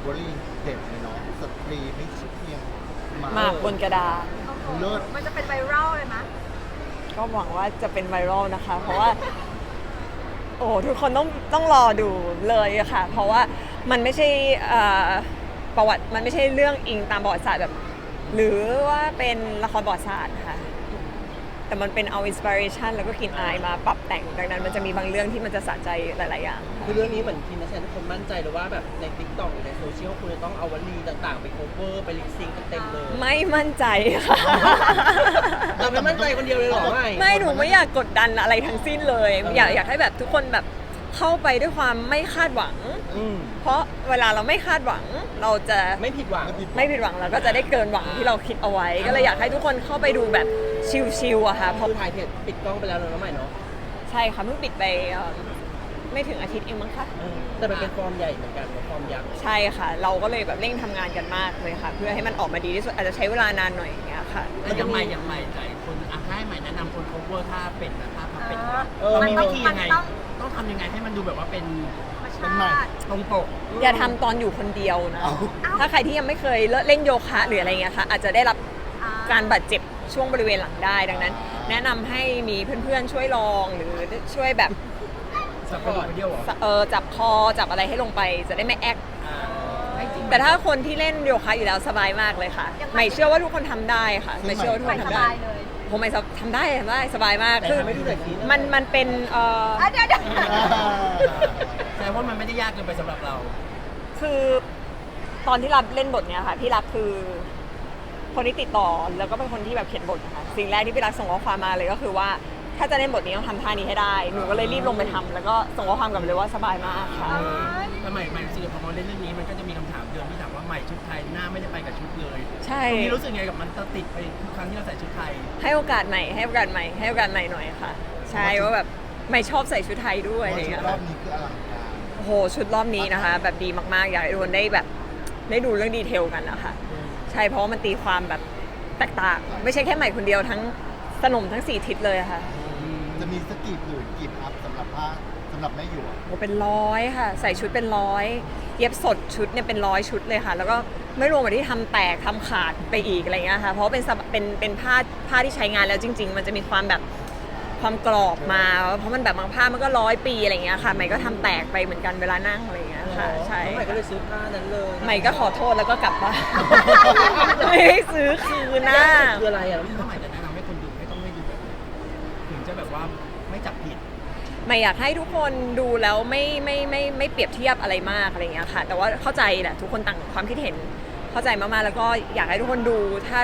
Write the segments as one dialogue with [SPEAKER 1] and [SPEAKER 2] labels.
[SPEAKER 1] วลีเด็ดเลยเนาะสตรีไม่ใช่เพียง
[SPEAKER 2] หมากบนกระดาษ
[SPEAKER 1] เลิศ
[SPEAKER 3] มันจะเป็นไวรัลเลยมั้ย
[SPEAKER 2] ก็หวังว่าจะเป็นไวรัลนะคะ เพราะว่า โอ้ทุกคนต้องรอดูเลยอะค่ะ เพราะว่ามันไม่ใช่ประวัติมันไม่ใช่เรื่องอิงตามประวัติศาสตร์แบบ หรือว่าเป็นละครประวัติศาสตร์ค่ะ แต่มันเป็นเอาอินสปิเรชันแล้วก็กลิ่นอายมาปรับแต่งดังนั้นมันจะมีบางเรื่องที่มันจะสะใจหลายๆอย่าง
[SPEAKER 4] คือเรื่องนี้เหมือนทีมนักแสดงทุกคนมั่นใจเลยว่าแบบใน TikTok หรือในโซเชียลคุณจะต้องเอาวลีต่างๆ ไปโคเวอร์ไปลิปซิงกันเต็มเลย
[SPEAKER 2] ไม่มั่นใจค่ะ
[SPEAKER 4] เราไม่มั่นใจคนเดียวเลยเหรอไม่
[SPEAKER 2] หนูไม่อยากกดดันอะไรทั้งสิ้นเลย อยากให้แบบทุกคนแบบเข้าไปด้วยความไม่คาดหวัง เพราะเวลาเราไม่คาดหวังเราจะ
[SPEAKER 4] ไม่ผิดหวัง
[SPEAKER 2] ไม่ผิดหวังเราก็จะได้เกินหวังที่เราคิดเอาไว้ ก็เลยอยากให้ทุกคนเข้าไปดูแบบชิลๆอะค่ะเพราะ
[SPEAKER 4] คือถ่ายเพจปิดกล้องไปแล้วเนอะน้องใหม่เนาะ
[SPEAKER 2] ใช่ค่ะเพิ่งปิดไปไม่ถึงอาทิตย์เองมั้งคะ
[SPEAKER 4] แต่มันเป็นฟอร์มใหญ่เหมือนกันฟอร์มยักษ์
[SPEAKER 2] ใช่ค่ะ เราก็เลยแบบเร่งทำงานกันมากเลยค่ะ เพื่อให้มันออกมาดีที่สุดอาจจะใช้เวลานานหน่อยอย่างเงี้ยค่ะ
[SPEAKER 5] แล้วยังใหม่ใจคนให้ใหม่แนะนำคน cover ท่าเป็ดนะท่าพับเป็ด
[SPEAKER 3] มัน
[SPEAKER 5] มี
[SPEAKER 3] ต้อง
[SPEAKER 5] วิธียังไง
[SPEAKER 3] มันต้อง
[SPEAKER 5] ต้องทำยังไงให้มันดูแบบว่าเป็น
[SPEAKER 3] ธรรมชาติ
[SPEAKER 5] ตรงปก
[SPEAKER 2] อย่าทำตอนอยู่คนเดียวนะ ถ้าใครที่ยังไม่เคยเล่นโยคะหรืออะไรเงี้ยค่ะอาจจะได้รับการบาดเจ็บช่วงบริเวณหลังได้ดังนั้น แนะนำให้มีเพื่อนๆช่วยลองหรือช่วยแบบ
[SPEAKER 5] สับกระดูกไปเดียวเหรอ
[SPEAKER 2] จับคอจับอะไรให้ลงไปจะได้ไม่แอค
[SPEAKER 5] ให้จริง
[SPEAKER 2] แต่ถ้าคนที่เล่นโยคะอยู่แล้วสบายมากเลยค่ะ
[SPEAKER 3] ยังไง
[SPEAKER 2] ไม่เชื่อว่าทุกคนทำได้ค่ะไม่เชื่อว่าทุก
[SPEAKER 3] ใส่
[SPEAKER 2] คน
[SPEAKER 3] ส
[SPEAKER 2] ทำได้
[SPEAKER 3] บายเลย
[SPEAKER 2] ผมไม่ทำได้สบายมาก
[SPEAKER 4] แต่
[SPEAKER 2] คือ
[SPEAKER 4] ทำให้ดูหน่อยสิ
[SPEAKER 2] มันเป็น
[SPEAKER 3] เดี๋ยว
[SPEAKER 5] แสดงว่ามันไม่ได้ยากเกินไปสำหรับเรา
[SPEAKER 2] คือตอนที่รับเล่นบทเนี้ยค่ะพี่รักคือคนที่ติดต่อแล้วก็เป็นคนที่แบบเขียนบทนะคะสิ่งแรกที่พี่รักส่งข้อความมาเลยก็คือว่าถ้าจะเล่นบทนี้ต้องทำท่านี้ให้ได้หนูก็เลยรีบลงไปทำแล้วก็ส่งข้อความกลับไปเลยว่าสบายมากค่ะ
[SPEAKER 5] แต่ใหม่รู้สึกพอมาเล่นเรื่องนี้มันก็จะมีคำถามเดิมที่ถามว่าใหม่ชุดไทยหน้าไม่ได้ไปกับชุดเลย
[SPEAKER 2] ใช่
[SPEAKER 5] ตรงนี้รู้สึกไงกับมันติดไปทุกครั้งที่เราใส่ชุดไทย
[SPEAKER 2] ให้โอกาสใหม่ให้โอกาสใหม่ให้โอกาสใหม่หน่อยค่ะ ใช่ว่าแบบไม่ชอบใส่ชุดไทยด้วยอะไร
[SPEAKER 1] ชุ
[SPEAKER 2] เงี้
[SPEAKER 1] ด
[SPEAKER 2] ย
[SPEAKER 1] รอบนี้คืออลังการ
[SPEAKER 2] โอ้โหชุดรอบนี้นะคะ แบบดีมากๆอยากให้ทุกคนได้แบบได้ดูเรื่องดีเทลกันนะคะใช่เพราะว่ามันตีความแบบแตกต่างไม่ใช่แค่ใหม่คนเดียวทั้งสนมทั้ง4ทิศเลยอะค่ะ
[SPEAKER 1] จะมีสกีผืนกีบอัพสำหรับผ้าสำหรับแม่หยวก
[SPEAKER 2] โอ้เป็นร้อยค่ะ ใส่ชุดเป็นร้อยเย็บสดชุดเนี่ยเป็นร้อยชุดเลยค่ะ แล้วก็ไม่รวมกับที่ทำแตกทำขาดไปอีกอะไรเงี้ยค่ะเพราะว่าเป็นผ้าที่ใช้งานแล้วจริง ๆ มันจะมีความแบบความกรอบมาเพราะมันแบบบางผ้ามันก็100 ปีอะไรเงี้ยค่ะใหม่ก็ทำแตกไปเหมือนกันเวลานั่งอะไรเงี้ยค่ะใช่
[SPEAKER 4] น้องใหม่ก็เลยซื้อผ้านั้นเลย
[SPEAKER 2] ใหม่ก็ขอโทษแล้วก็กลับบ้าน ไม่ให้ซื้อคืนนะ
[SPEAKER 4] คืออะไรอ่ะ
[SPEAKER 5] ถ้าใหม่จะแนะนำให้คนดูไม่ต้องให้ดูแบบนี้ถึงจะแบบว่าไม่จับผิด
[SPEAKER 2] ไม่อยากให้ทุกคนดูแล้วไม่เปรียบเทียบอะไรมากอะไรเงี้ยค่ะ แต่ว่าเข้าใจแหละทุกคนต่างความคิดเห็นเข้าใจมากๆแล้วก็อยากให้ทุกคนดู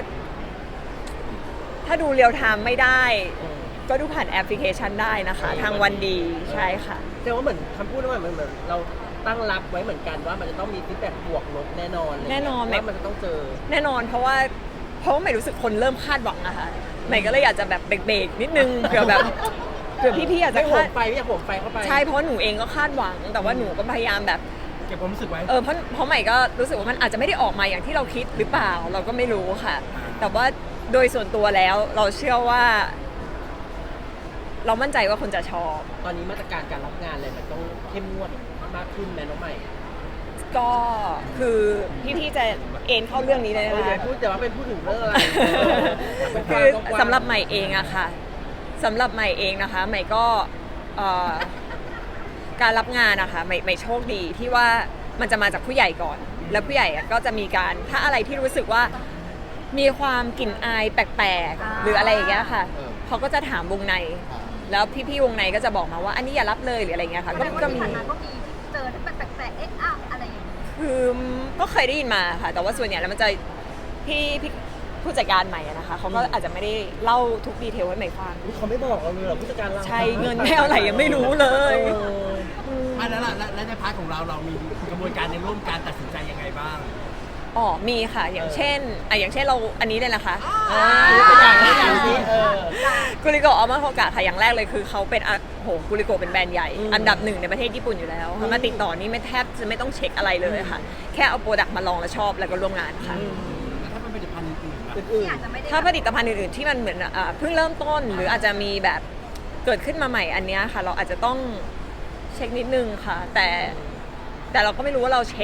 [SPEAKER 2] ถ้าดูเรียลไทม์ไม่ได้ ก็ดูผ่านแอปพลิเคชันได้นะคะ ทางวันดีใช่ค่ะ
[SPEAKER 4] แต่ว่าเหมือนคำพูดนั้นเหมือนเราตั้งรับไว้เหมือนกันว่ามันจะต้องมีฟีดแบ็กบวกลบแน่นอนเลย
[SPEAKER 2] แน่นอน
[SPEAKER 4] ว่ามันจะต้องเจอ
[SPEAKER 2] แน่นอนเพราะว่าใหม่รู้สึกคนเริ่มคาดหวังอะค่ะใหม่ก็เลยอยากจะแบบเบรกๆนิดนึงเผื่อแบบเผื่อพี่ๆอาจจะ
[SPEAKER 4] ไม่โห
[SPEAKER 2] คาด
[SPEAKER 4] มไฟไม่อยากโหมไฟเข้าไป
[SPEAKER 2] ใช่เพราะหนูเองก็คาดหวัง แต่ว่าหนูก็พยายามแบบ
[SPEAKER 5] เก็บความรู้สึกไว้
[SPEAKER 2] เพราะใหม่ก็รู้สึกว่ามันอาจจะไม่ได้ออกมาอย่างที่เราคิดหรือเปล่าเราก็ไม่รู้ค่ะ แต่ว่าโดยส่วนตัวแล้วเราเชื่อว่า เรามั่นใจว่าคนจะชอบ
[SPEAKER 4] ตอนนี้มาตรการการรับงานอะไรมันต้องเข้มงวดมากขึ้นแม่น้องใหม่
[SPEAKER 2] ก็คือพี่ๆจะเอ็นเข้าเรื่องนี้เลย
[SPEAKER 4] เออ
[SPEAKER 2] นะ
[SPEAKER 4] อย่า
[SPEAKER 2] คะ
[SPEAKER 4] พูดแต่ว่าเป็นพูดถึงเรื่องอะไร
[SPEAKER 2] คือสำหรับใหม่เองอะค่ะสำหรับใหม่เองนะคะใหม่ก็การรับงานนะคะใหม่โชคดีที่ว่ามันจะมาจากผู้ใหญ่ก่อน แล้วผู้ใหญ่อะก็จะมีการถ้าอะไรที่รู้สึกว่ามีความกลิ่นอายแปลกๆหรืออะไรอย่างเงี้ยค่ะเขาก็จะถามวงใน แล้วพี่ๆวงในก็จะบอกมาว่าอันนี้อย่ารับเลยหรืออะไรเงี้ยค่ะ
[SPEAKER 3] ก็
[SPEAKER 2] ก็
[SPEAKER 3] มี
[SPEAKER 2] มี
[SPEAKER 3] ก็มีเจอที่มันแปลกๆอะไรอย่างเงี้ย
[SPEAKER 2] คือก็เคยได้ยินมาค่ะ แต่ว่าส่วนใหญ่แล้วมันจะพี่ผู้จัดการใหม่อะนะคะเขาก็อาจจะไม่ได้เล่าทุกดีเทลให้ใหม่ฟัง
[SPEAKER 4] เขาไม่บอกเราเลยเหรอผู้จัดการเรา
[SPEAKER 2] ใช่เงินไม่เอาไหนยังไม่รู้เลย
[SPEAKER 5] ไม่แล้วล่ะแล้วในพาร์ทของเรามีกระบวนการในร่วมการตัดสินใจยังไงบ้าง
[SPEAKER 2] อ๋อมีค่ะอย่างเช่นอย่างเช่นเราอันนี้เลยนะคะ
[SPEAKER 4] ตัวอย่างสิ
[SPEAKER 2] กุลิโกะอัลมาโฮกะค่ะอย่างแรกเลยคือเขาเป็นกุลิโกะเป็นแบรนด์ใหญ่อันดับ1ในประเทศญี่ปุ่นอยู่แล้วเขามาติดต่อนี่ไม่แทบจะไม่ต้องเช็คอะไรเลยค่ะ แค่เอาโปรดักต์มาลองแล้วชอบแล้วก็ร่วมงานค่ะ
[SPEAKER 5] แล้วถ้าเป็นผลิตภัณฑ์อื่นๆล่ะ
[SPEAKER 4] อื่น
[SPEAKER 3] ที่อาจจะไม่ได้
[SPEAKER 2] ถ้าผลิตภัณฑ์อื่นๆที่มันเหมือนเพิ่งเริ่มต้นหรืออาจจะมีแบบเกิดขึ้นมาใหม่อันเนี้ยค่ะ เราอาจจะต้องเช็คนิดนึงค่ะ แต่เราก็ไม่รู้ว่าเราเช็ค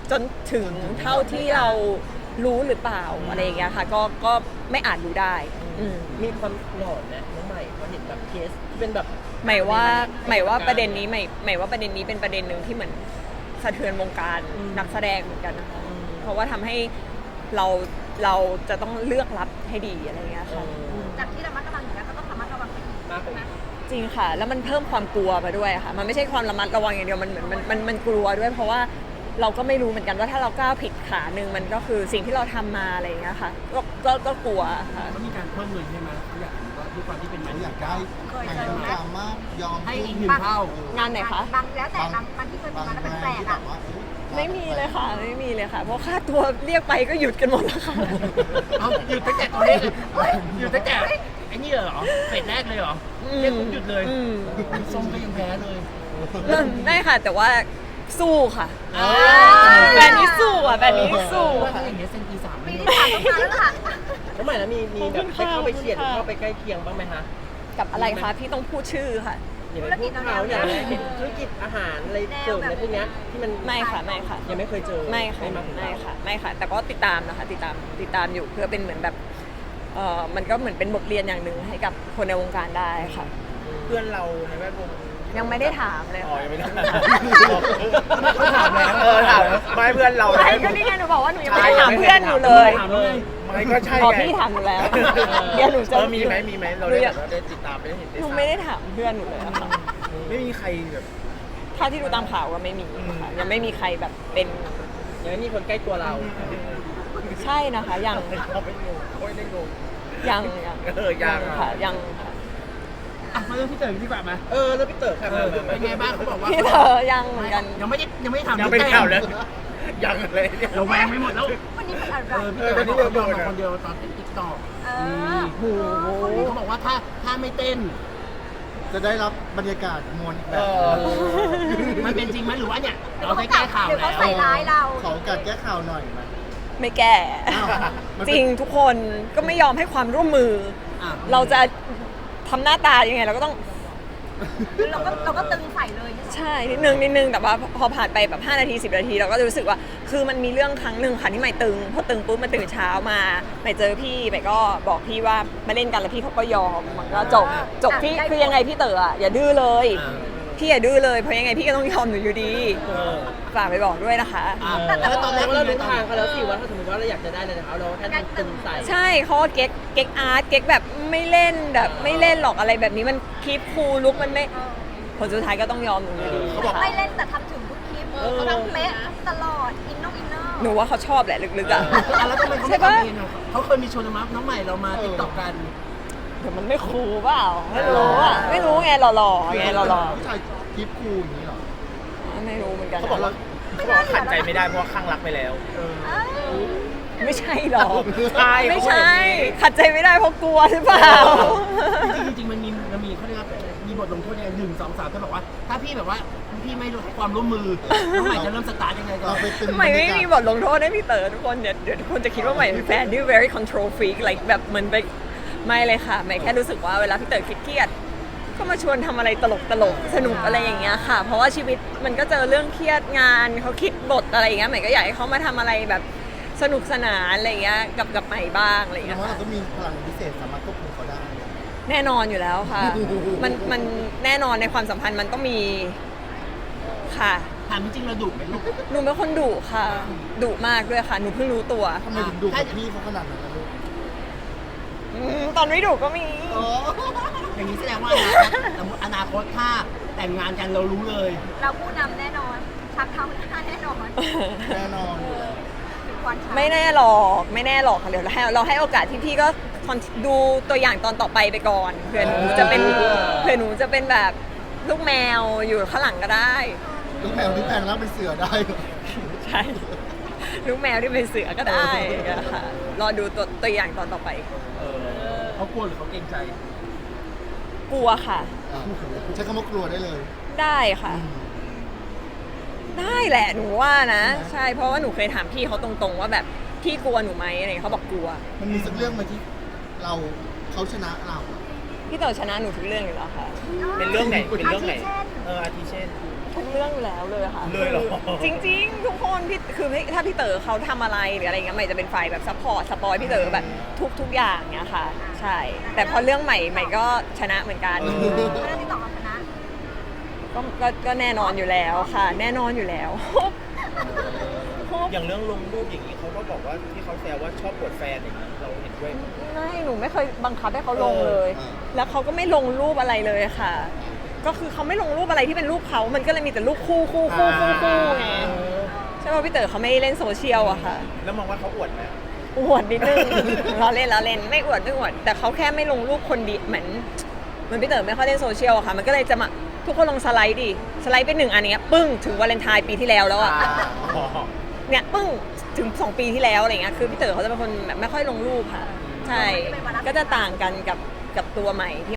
[SPEAKER 2] จนถึงเท่าที่เรารู้หรือเปล่าอะไรอย่างเงี้ยค่ะก็ไม่อาจรู้ได้อืม
[SPEAKER 4] มีความหลอนนะน้องใหม่พอเห็นแบบเคสที่เป็นแบบ
[SPEAKER 2] หมายว่าประเด็นนี้หมายว่าประเด็นนี้เป็นประเด็นหนึ่งที่เหมือนสะเทือนวงการนักแสดงเหมือนกันนะคะเพราะว่าทำให้เราจะต้องเลือกรับให้ดีอะไรอย่างเงี้ยค่ะ
[SPEAKER 3] จากที่ระมัดระวังอยู่แล้วก็ต้องระมัดระวังไปอีก
[SPEAKER 4] มากกว่านี้
[SPEAKER 2] จริงค่ะ แล้วมันเพิ่มความกลัวมาด้วยค่ะ มันไม่ใช่ความระมัดระวังอย่างเดียวมันเหมือนมันกลัวด้วย เพราะว่าเราก็ไม่รู้เหมือนกันว่าถ้าเราก้าวผิดขาหนึ่งมันก็คือสิ่งที่เราทำมาอะไรอย่างเงี้ยค่ะก็กลัวค่ะ
[SPEAKER 5] เขามีการเพิ่มเงินใช่ไหมเขาอยากรู้ว่าด้วยความที่เป็นไม้
[SPEAKER 1] เขาอยากได้
[SPEAKER 3] เคย
[SPEAKER 1] ทาง
[SPEAKER 3] เจอไหม
[SPEAKER 1] สามารถยอม
[SPEAKER 5] ให้อีกหนึ่งเท่า
[SPEAKER 2] งานไหนคะ
[SPEAKER 3] บางแล้วแต่บางที่เคยมีมาแล้วแปลกๆอ่ะ
[SPEAKER 2] ไม่มีเลยค่ะไม่มีเลยค่ะ เพราะค่าตัวเรียกไปก็หยุดกันหมดแล้วค่ะ
[SPEAKER 5] เอาหยุดตั้งแต่ตอนนี้หยุดตั้งแต่ไอ้นี่เหรอเฟสแรกเลยเหรอเรียกปุ๊บหยุดเลย
[SPEAKER 2] อืม
[SPEAKER 5] ส้มก็ยังแพ้เลย
[SPEAKER 2] ไม่ค่ะ แต่ว่าสู้ค่ะ
[SPEAKER 5] อ่า
[SPEAKER 2] แบรนด์นี้สู้อ่ะแบรนด์นี้สู้
[SPEAKER 5] ว่า
[SPEAKER 2] ค่ะ
[SPEAKER 5] ถ้าอย่างเงี้ยเซนตีสาม
[SPEAKER 3] ปี
[SPEAKER 5] ไม่
[SPEAKER 3] ที่ผ่านมาแล้วล่ะ
[SPEAKER 4] น้องใหม่แล้วมีแบบไปเข้าไปเฉียดหรือเข้าไปใกล้เคียงบ้างไหมคะ
[SPEAKER 2] กับอะไรคะพี่ต้องพูดชื่อค่ะ
[SPEAKER 4] อย่างไปพูดเขาอย่างเห็นธุรกิจอาหารอะไรเสริมอะไรพวกเนี้ยที่มัน
[SPEAKER 2] ไม่ค่ะไม่ค่ะ
[SPEAKER 4] ยังไม่เคยเจอ
[SPEAKER 2] ไม่ค่ะ
[SPEAKER 4] มาถึง
[SPEAKER 2] ไม่ค่ะไม่ค่ะ แต่ก็ติดตามนะคะติดตามอยู่เพื่อเป็นเหมือนแบบมันก็เหมือนเป็นบทเรียนอย่างหนึ่งให้กับคนในวงการได้ค่ะ
[SPEAKER 6] เพื่อนเราในแวดวง
[SPEAKER 2] ยังไม่ได้ถามเลย
[SPEAKER 6] อ๋อ
[SPEAKER 2] ค่ะ
[SPEAKER 6] ยังไม่ได้
[SPEAKER 5] เขาถามแล้ว
[SPEAKER 6] ถามไม่เพื่อนเรา
[SPEAKER 2] ไม่ก็นี่ไงหนูบอกว่าหนูยังไม่ได้ถามเพื่อนหนูเลย
[SPEAKER 5] ถามเลย
[SPEAKER 6] ไม่ก็ใช่
[SPEAKER 2] อ๋อ
[SPEAKER 6] ไง
[SPEAKER 2] พี่ถามหนูแล้วเดี๋ยวหนูจะ
[SPEAKER 6] มีไหมเราได้แบบว่าได้ติดตามไปได้เห็นได้
[SPEAKER 2] หนู
[SPEAKER 6] ทราบ
[SPEAKER 2] ไม่ได้ถามเพื่อนหนูเลยอะค่ะ
[SPEAKER 6] ไม่มีใครแบบ
[SPEAKER 2] ถ้าที่ดูตามข่าวก็ไม่มีค่ะยังไม่มีใครแบบเป็น
[SPEAKER 4] ยังไม่มีคนใกล้ตัวเรา
[SPEAKER 2] ใช่นะคะยัง
[SPEAKER 6] เขาไม่งงเขาไม่ได้งง
[SPEAKER 2] ยัง
[SPEAKER 6] ยัง
[SPEAKER 2] ค่ะยังค่ะ
[SPEAKER 5] อ่ะมาเรื่องพี่เต๋อดีกว่าไหม
[SPEAKER 4] แล้วพี่เต๋อค่ะ
[SPEAKER 5] เป็นไงบ้างเขาบอกว่า
[SPEAKER 2] พี่เธอยังเหมือนกัน
[SPEAKER 5] ยังไม่ได้ถาม
[SPEAKER 6] ยังไม่ได้ข่าวเลยยังเลยเนี่ย
[SPEAKER 5] เราแวงไม่หมดแล้ว
[SPEAKER 3] วันนี้เป็นอะไร
[SPEAKER 5] พี่เต๋อเขาบอกว่าคนเดียวตอนติดติ๊กต็อก
[SPEAKER 3] เออ
[SPEAKER 5] เขาบอกว่าถ้าไม่เต้น
[SPEAKER 1] จะได้รับบรรยากาศมวลอีกแบบ
[SPEAKER 5] มันเป็นจริงไหมหรือว่าเนี่ย
[SPEAKER 3] เดี๋ยว
[SPEAKER 5] เรา
[SPEAKER 3] เขา
[SPEAKER 5] ได้แก้ข่าว
[SPEAKER 3] เดี๋ยว
[SPEAKER 5] แล้
[SPEAKER 3] เขา
[SPEAKER 5] ว
[SPEAKER 3] ใส่ร้ายเรา
[SPEAKER 1] ขอโอกาสแก้ข่าวหน่อยไหม
[SPEAKER 2] ไม่แก้
[SPEAKER 1] อ้าวมันเป็น
[SPEAKER 2] จริงทุกคนก็ไม่ยอมให้ความร่วมมือ
[SPEAKER 5] อ่ะ
[SPEAKER 2] เราจะทำหน้าตายังไงเราก็ต้อง
[SPEAKER 3] เราก็ตึงใส่เลย
[SPEAKER 2] ใช่นิดนึงแต่ว่าพอผ่านไปแบบ5นาที10นาทีเราก็จะรู้สึกว่าคือมันมีเรื่องครั้งหนึ่งค่ะที่ใหม่ตึงพอตึงปุ๊บมันตื่นเช้ามาใหม่เจอพี่ใหม่ก็บอกพี่ว่ามาเล่นกันแล้วพี่เขาก็ยอมมันก็จบพี่คือยังไงพี่เต๋ออะอย่าดื้อเลยพี่อย่าดื้อเลยเพราะยังไงพี่ก็ต้องยอมหนูอยู่ดีฝากไปบอกด้วยนะคะ
[SPEAKER 5] อ่ะ
[SPEAKER 4] แล้วตอนแรก
[SPEAKER 5] เรา
[SPEAKER 4] เรา
[SPEAKER 5] ดู
[SPEAKER 4] รู้
[SPEAKER 5] ทา
[SPEAKER 4] ทาง งเขาแล้วสิว่าถ้าสมมติว่าเราอยากจะได้อะไรจากเขาเราแค่ต้องตึงใส่
[SPEAKER 2] ใช่เขาก็เก๊กอาร์ตเก๊กแบบไม่เล่นแบบไม่เล่นหรอกอะไรแบบนี้มันคีปคูลลุกมันไม่ผลสุดท้ายก็ต้องยอมหนูอยู่ดี
[SPEAKER 4] เขาบอก
[SPEAKER 3] ไม่เล่นแต่ทำถึงทุกคลิปเขาทำเป๊ะตลอดอินเนอร์
[SPEAKER 2] หนูว่าเขาชอบแหละลึกๆอ่ะ
[SPEAKER 5] อ่ะแล้วทำไมเขาไม่ทำเองอ่ะเขาเคยมีชวนน้องใหม่เรามาติ๊กต็อกกัน
[SPEAKER 2] เดี๋ยวมันไม่คูลเปล่าไม่รู้อ่ะไม่รู้ไงหล่อๆไงหล่อ
[SPEAKER 1] ผู้ชายคลิปคูลอย่างนี้เหรอ
[SPEAKER 2] ๆไม่รู้เหมือนกัน
[SPEAKER 6] เขาบอกว่าขัดใจไม่ได้เพราะว่าข้างรักไปแล้ว
[SPEAKER 2] ไม่ใช่หรอก
[SPEAKER 6] ใช่
[SPEAKER 2] ไม่ใช่ขัดใจไม่ได้เพราะกลัวหรือเปล่า
[SPEAKER 5] จริงๆมันมีเขาเรียกว่ามีบทลงโทษยังไง1 2 3เขาบอกว่าถ้าพี่แบบว่าพี่ไม่ให้ความร่วมมือน้องใหม่จะเริ่มสตาร์ทยังไงก่อ
[SPEAKER 1] เรา
[SPEAKER 5] น
[SPEAKER 1] ไปตึง
[SPEAKER 2] ใหม่
[SPEAKER 1] บรร
[SPEAKER 2] ไม่
[SPEAKER 1] ยากา
[SPEAKER 2] มี
[SPEAKER 1] ศ
[SPEAKER 2] บทลงโทษให้พี่เต๋อทุกคนเดี๋ยวทุกคนจะคิดว่าใหม่เป็นแฟนที่ very control freak like แบบเหมือนไปไม่เลยค่ะใหม่แค่รู้สึกว่าเวลาพี่เต๋อเครียดๆก็มาชวนทำอะไรตลกสนุกอะไรอย่างเงี้ยค่ะ เพราะว่าชีวิตมันก็เจอเรื่องเครียดงานเขาคิดบทอะไรอย่างเงี้ยใหม่ก็อยากให้เขามาทำอะไรแบบสนุกสนานอะไรอย่างเงี้ยกับใหม่บ้างอะไรอย่าง
[SPEAKER 1] แสด
[SPEAKER 2] เงี้
[SPEAKER 1] ง
[SPEAKER 2] ย
[SPEAKER 1] ว่า
[SPEAKER 2] ค่ะ
[SPEAKER 1] เราก็มีพลังพิเศษสามารถควบคุมเขาได้
[SPEAKER 2] แน่นอนอยู่แล้วค่ะ มันแน่นอนในความสัมพันธ์มันต้องมีค่ะ
[SPEAKER 5] ถามจริงๆเราดุไหมลูก
[SPEAKER 2] หนูเป็นคนดุค่ะดุมากด้วยค่ะหนูเพิ่งรู้ตัว
[SPEAKER 1] ทำไมถึงดูกับพี่เขาขนาดนั้นนะลูก
[SPEAKER 2] ตอนไม่ดุก็มี
[SPEAKER 1] อ๋อ
[SPEAKER 5] อย่างนี้แสดงว่าอนาคตถ้าแต่งงานกันเรารู้เลย
[SPEAKER 3] เราผู้นำแน่นอนชักเท้าหน้าแน่นอน
[SPEAKER 1] แน่นอน
[SPEAKER 3] ถึงวันชัก
[SPEAKER 2] ไม่แน่หรอกค่ะเดี๋ยวเราให้โอกาสพี่ก็ดูตัวอย่างตอนต่อไปก่อนเผื่อหนูจะเป็นแบบลูกแมวอยู่ข้างหลังก็ได้
[SPEAKER 1] ลูกแมวที่แพงแล้วเป็นเสือได้เหรอ
[SPEAKER 2] ใช่ลูกแมวที่เป็นเสือก็ได้ค่ะรอดูตัวอย่างตอนต่อไป
[SPEAKER 5] เขากลัวหรือเขาเกรงใจ
[SPEAKER 2] กลัวค่ะ
[SPEAKER 1] อ่ะใช้คำว่ากลัวได้เลย
[SPEAKER 2] ได้ค่ะ ได้แหละหนูว่านะ ใช่เพราะว่าหนูเคยถามพี่เขาตรงๆว่าแบบพี่กลัวหนูไหมอะไรอย่างเงี้ยเขาบอกกลัว
[SPEAKER 1] มันมีสักเรื่องไหมที่เขาชนะเรา
[SPEAKER 2] พี่เต๋อชนะหนูทุกเรื่องอยู่แล้วค่ะ
[SPEAKER 6] เป็นเรื่องไหนเป็นเรื่องไหน
[SPEAKER 3] อาทิเช่น
[SPEAKER 6] อาทิเช่น
[SPEAKER 2] ทุกเรื่องอยู่แล้วเลยค่ะ
[SPEAKER 6] เลยเหรอ
[SPEAKER 2] จริงๆ ทุกคนพี่คือถ้าพี่เต๋อเขาทำอะไรหรืออะไรเงี้ยใหม่จะเป็นฝ่ายแบบซัพพอร์ตสปอยพี่เต๋อแบบทุกอย่างเนี้ยค่ะ ใช่ แต่พอเรื่องใหม่ก็ชนะเหมือนกัน
[SPEAKER 3] เรื่องที่ต่อมาชนะ
[SPEAKER 2] ก็แน่นอนอยู่แล้วค่ะ แน่นอนอยู่แล้ว
[SPEAKER 6] อย่างเรื่องลงรูปอย่างนี้เขาก็บอกว่าที่เขาแซวว่าชอบปวดแฟนอย่างนี้เราเห็นด้วยไหม
[SPEAKER 2] ไม่หนูไม่เคยบังคับให้เขาลงเลย
[SPEAKER 1] เออ
[SPEAKER 2] แล้วเขาก็ไม่ลงรูปอะไรเลยค่ะ ก็คือเขาไม่ลงรูปอะไรที่เป็นรูปเขามันก็เลยมีแต่รูปคู่ไงใช่ป่ะพี่เต๋อเขาไม่เล่นโซเชียลอะค่ะ
[SPEAKER 6] แล้วมองว่าเขาอวดไหม
[SPEAKER 2] อวดนิดนึง เราเล่นไม่อวดแต่เขาแค่ไม่ลงรูปคนเดียวเหมือนพี่เต๋อไม่ค่อยเล่นโซเชียลอะค่ะ มันก็เลยจะมาทุกคนลงสไลด์ดิสไลด์เป็นหนึ่งอันเนี้ยปึ้งถึงวาเลนไทน์ปีที่แล้วอะ
[SPEAKER 6] อ๋อ
[SPEAKER 2] เนี่ยปึ้งถึง2 ปีที่แล้วอะไรเงี้ยคือพี่เต๋อเขาจะเป็นคนแบบไม่ค่อยลงรูปค่ะ ใช่ก็จะต่างกันกับตัวใหม่ที่